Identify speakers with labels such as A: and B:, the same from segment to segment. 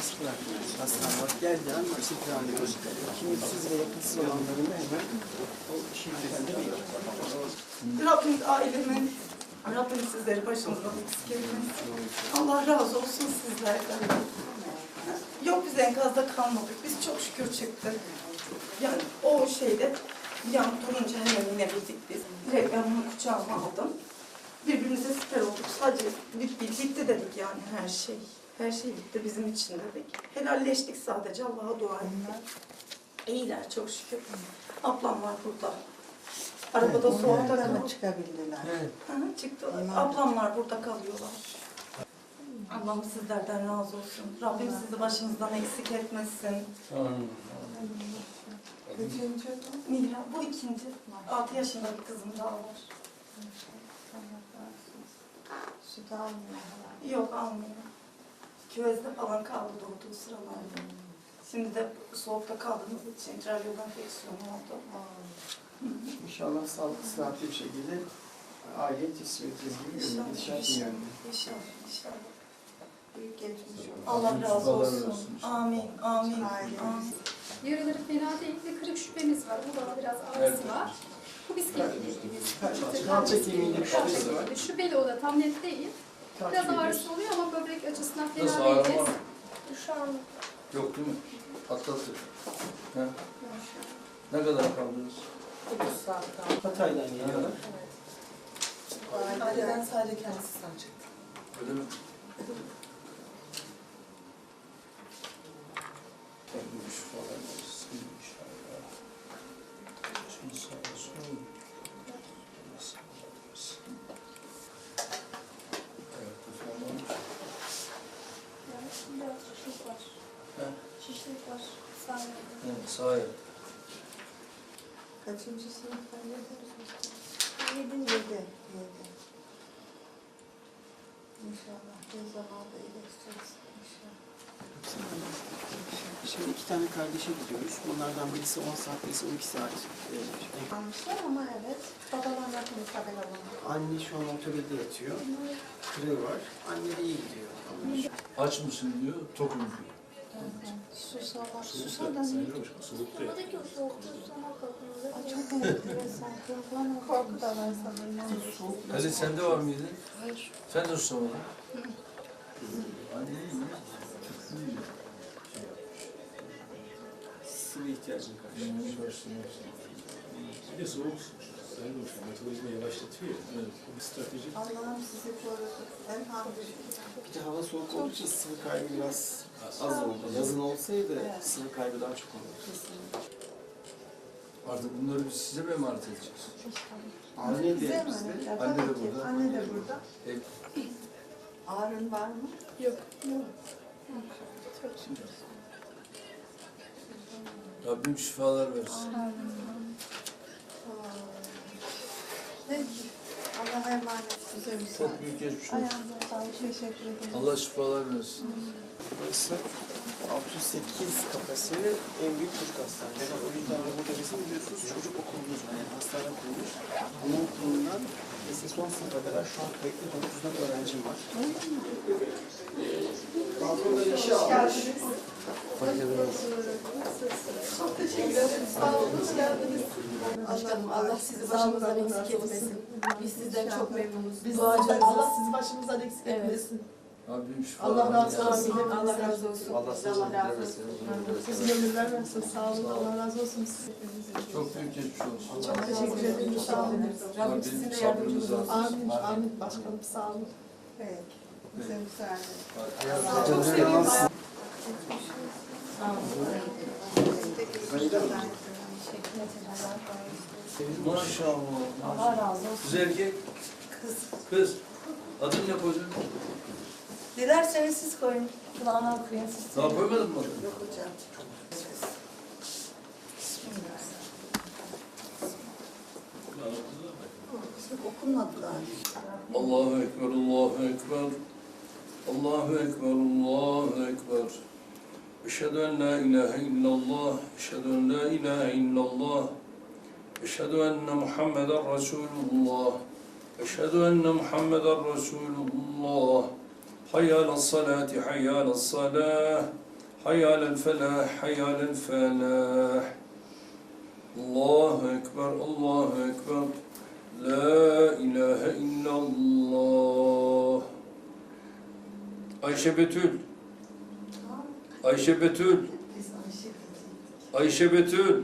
A: serbest bırakmıyoruz. Hastalar geldiği an nasıl planlıyoruz. Kimliksiz ve yakınsız olanların da hemen o şiddetinde bir.
B: Rabbim ailemin, Rabbim sizleri başımızdan eksik etmesin. Allah razı olsun sizlerden. Yok biz enkazda kalmadık. Biz çok şükür çıktık. Yani o şeyde yan durunca hemen inebildik biz. Direkt ben bunu kucağıma aldım. Birbirimize siper olduk. Sadece bitti dedik yani her şey. Her şey bitti bizim için dedik. Helalleştik sadece, Allah'a dua ettik. İyiler çok şükür. Ablam var burada. Arabada soğukta kalıyor.
C: Çıkabildiler.
A: Evet.
B: Çıktılar. Ablamlar burada kalıyorlar. Allah'ım sizlerden razı olsun. Rabbim sizi başınızdan eksik etmesin.
C: Üçüncü
B: Mihra, bu ikinci. 6 yaşında bir kızım daha var.
C: süt almıyor.
B: Yok, almıyor. Küvezde falan kaldı doğduğu sıralarda. Şimdi de soğukta kaldığımız için tralyol enfeksiyonu oldu.
A: İnşallah sağlıklı, sıhhatli bir şekilde aile teslim edeceğiz gibi gidişat yani.
B: İnşallah, inşallah.
C: Büyük geçmiş olsun.
B: Allah razı olsun. Amin, amin,
C: Aile.
B: amin.
D: Yaraları fena değil ve kırık şüphemiz var. Burada biraz ağrısı var. Bu biz
A: Kalça kemiğinde bir şüphesi var.
D: Şüpheli o da tam net değil. Biraz
A: Takip ediyoruz.
D: ağrısı oluyor ama böbrek açısından
E: Nasıl
D: fena
E: ağrı
D: değiliz.
E: var mı?
D: Şu an
E: Yok değil mi? Atlattık. He? Ne kadar kaldınız?
C: 9 saat kaldı.
A: Hatay'dan geliyorlar.
C: Aileden sadece kendisi sağ çıktı.
E: Öyle mi? Gelmiş falan olsun inşallah. Şimdi sağ olsun. Nasıl olabilir? Ayakta falan olmuş.
D: biraz şişlik var.
E: He?
D: Şişlik var. Sağ
E: Evet, sağ ayak.
C: Kaçıncı sınıftan geliyoruz biz?
D: 7.
C: 7. İnşallah bir zamanda iyileşeceğiz. İnşallah.
A: Şimdi 2 tane kardeşe gidiyoruz. Bunlardan birisi 10 saat, birisi 12 saat.
C: Almışlar ama evet. Babalarla bir haber alalım.
A: Anne şu an otobüde yatıyor. Kırığı var. Anne de iyi gidiyor.
E: Aç mısın diyor, tokum diyor.
C: Susalar. Susar da ne?
D: Buradaki o soğukta susama kalkınızda.
C: Ay çok enteresan. Korku da var sanırım.
E: Ali sende var mıydı?
C: Hayır.
E: Sen de susamadın. Anne iyi mi?
A: Sıvı ihtiyacını karşılıyor.
F: Bir de soğuk sayın hocam, metabolizma yavaşlatıyor ya. Evet. Bu bir strateji.
C: Allah'ım sizi korudu. En hamdü.
A: Bir de hava soğuk olduğu için sıvı kaybı biraz az oldu. Yazın olsaydı sıvı kaybı daha çok olurdu.
E: Artık bunları biz size mi emanet edeceğiz?
A: Anne
C: Bize
A: de
C: mi?
A: bizde.
C: Ya,
E: Anne de
C: tabii ki.
E: burada.
C: Anne de burada.
E: Ev.
C: Ağrın var mı?
D: Yok.
E: Rabbim şifalar versin.
C: Peki. Allah'a emanet. Size müsaade.
E: Çok büyük geçmiş olsun.
C: Ayağınıza sağlık. Teşekkür ederim.
E: Allah şifalar versin.
A: Burası 608 kapasiteli en büyük çocuk hastanesi. O yüzden de burada bizim biliyorsunuz çocuk okulumuz var. Yani hastane kurulmuş. Onun okulundan lise son sınıfa kadar şu an kayıtlı 9'dan öğrencim var. Balkonda işe almış.
B: Çok teşekkür ederim. Sağ olun, hoş geldiniz.
G: Başkanım Allah sizi başımızdan eksik etmesin. Biz sizden çok memnunuz.
B: Biz
G: Duacınız.
B: Allah sizi başımızdan eksik
G: Evet.
B: etmesin.
E: Rabbim şifalar
B: Allah razı
E: versin.
B: olsun.
G: Amin. Allah razı olsun.
E: Allah
G: Size Allah razı olsun.
B: Sizin ömürler versin. Sağ olun. Allah razı olsun.
E: Çok büyük geçmiş olsun.
B: Çok teşekkür ederim. Sağ olun.
G: Rabbim sizin de yardımcınız olsun.
B: Amin. Amin. Başkanım sağ olun.
C: Peki. Bize müsaade.
A: Çok seviyorum.
E: Maşallah.
B: Allah razı olsun.
E: Kız erkek. Kız. Adın ne koydun?
B: Dilerseniz siz koyun. Kulağına okuyun siz.
E: Daha koymadın mı adını?
C: Yok hocam. Okunmadı daha.
E: Allahu Ekber, Allahu Ekber. Allahu Ekber, Allahu Ekber. Eşhedü en la ilahe illallah. Eşhedü en la ilahe illallah. Eşhedü enne Muhammeden Resulullah. Eşhedü enne Muhammeden Resulullah. Hayy alas salati, hayy alas salah. حي على الفلاح حي على الفلاح الله أكبر الله أكبر لا إله إلا الله Ayşe Betül Ayşe Betül Ayşe Betül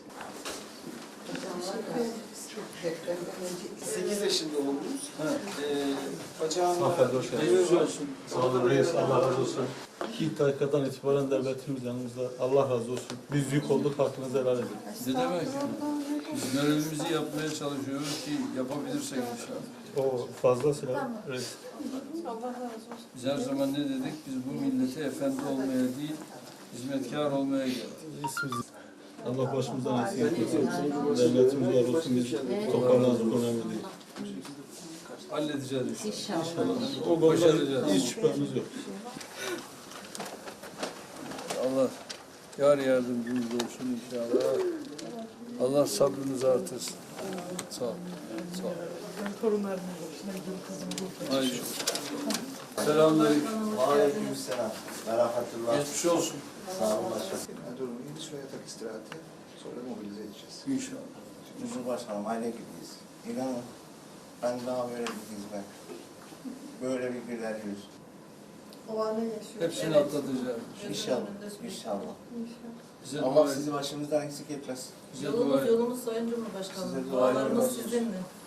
A: 8 yaşında oldunuz. Bacağına
H: Hanımefendi hoş geldiniz.
A: geçmiş olsun.
H: Sağ olun reis, Allah razı olsun. İlk dakikadan itibaren devletimiz yanımızda. Allah razı olsun. Biz yük olduk, hakkınızı helal edin.
E: Ne demek? Biz görevimizi yapmaya çalışıyoruz ki yapabilirsek inşallah.
H: O fazlasıyla reis.
E: Biz her zaman ne dedik? Biz bu millete efendi olmaya değil, hizmetkar olmaya geldik.
H: Reisimiz. Allah başımızdan eksik etmesin. Devletimiz var olsun, biz toparlandık, önemli değil.
E: Halledeceğiz inşallah.
H: İnşallah. O konuda hiç şüphemiz yok.
E: Allah yar yardımcımız olsun inşallah. Allah sabrınızı artırsın. Sağ ol. Sağ ol. Haydi. Selamünaleyküm.
I: Aleykümselam. Merhametullah.
E: Geçmiş olsun.
I: Sağ olun başkanım. Durumu iyi. Bir süre yatak istirahati. Sonra mobilize edeceğiz.
E: İnşallah.
I: Huzur başkanım aile gibiyiz. İnanın ben daha böyle bir hizmet. Böyle bir güler yüz.
C: O anı yaşıyor.
E: Hepsini atlatacağız.
I: İnşallah. İnşallah.
E: Bize dua
I: Allah
E: edin.
I: sizi başımızdan eksik etmez.
E: Bize dua edin.
G: Yolumuz Sayın Cumhurbaşkanım.
I: Size dualarımız
G: Dualarımız
I: olsun.
G: sizinle.